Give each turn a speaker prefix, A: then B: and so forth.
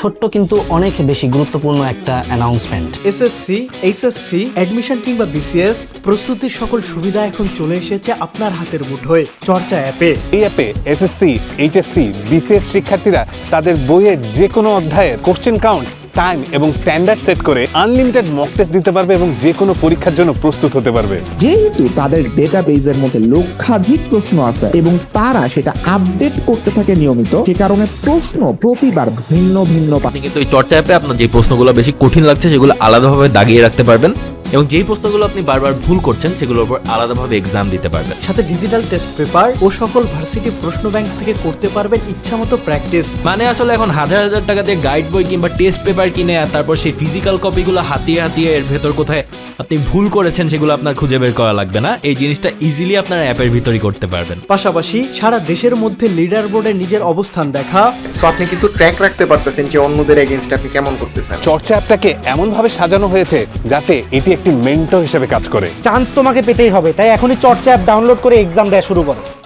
A: ছোট্ট কিন্তু অনেক বেশি গুরুত্বপূর্ণ একটা অ্যানাউন্সমেন্ট।
B: এসএসসি, এইচএসসি, অ্যাডমিশন কিংবা বিসিএস প্রস্তুতির সকল সুবিধা এখন চলে এসেছে আপনার হাতের মুঠোয় চর্চা অ্যাপে।
C: এই অ্যাপে এসএসসি, এইচএসসি, বিসিএস শিক্ষার্থীরা তাদের বইয়ের যে কোনো অধ্যায়ের কোশ্চেন কাউন্ট, টাইম এবং স্ট্যান্ডার্ড সেট করে আনলিমিটেড মক টেস্ট দিতে পারবে এবং যে কোনো পরীক্ষার জন্য প্রস্তুত হতে পারবে।
D: যেহেতু তাদের ডেটাবেজের মধ্যে লক্ষাধিক প্রশ্ন আছে এবং তারা সেটা আপডেট করতে থাকে নিয়মিত, সে কারণে প্রশ্ন প্রতিবার ভিন্ন ভিন্ন
E: আপনি কিন্তু এই চর্চা অ্যাপে আপনার যে প্রশ্নগুলো বেশি কঠিন লাগছে সেগুলো আলাদাভাবে দাগিয়ে রাখতে পারবেন এবং যেই প্রশ্নগুলো আপনি বারবার ভুল করছেন সেগুলোর উপর আলাদাভাবে এক্সাম দিতে পারবেন।
B: সাথে ডিজিটাল টেস্ট পেপার ও সকল ভার্সিটি প্রশ্ন ব্যাংক থেকে করতে পারবেন ইচ্ছামতো প্র্যাকটিস।
E: মানে আসলে এখন হাজার হাজার টাকা দিয়ে গাইড বই কিংবা টেস্ট পেপার কিনে আর তারপর সেই ফিজিক্যাল কপিগুলো হাতিয়ে হাতিয়ে এর ভেতর কোথায় আপনি ভুল করেছেন সেগুলো আপনার খুঁজে বের করা লাগবে না। এই জিনিসটা ইজিলি আপনার অ্যাপের ভিতরই করতে পারবেন।
B: পাশাপাশি সারা দেশের মধ্যে লিডার বোর্ডে নিজের অবস্থান দেখা,
F: সো আপনি কিন্তু ট্র্যাক রাখতে পারতেছেন যে অন্যদের এগেইনস্টে আপনি কেমন করতেছেন।
C: চর্চা অ্যাপটাকে এমনভাবে সাজানো হয়েছে যাতে এটি একটি মেন্টর হিসেবে কাজ করে।
G: চান্স তোমাকে পেতেই হবে, তাই এখনই চর্চা অ্যাপ ডাউনলোড করে এক্সাম দেওয়া শুরু করো।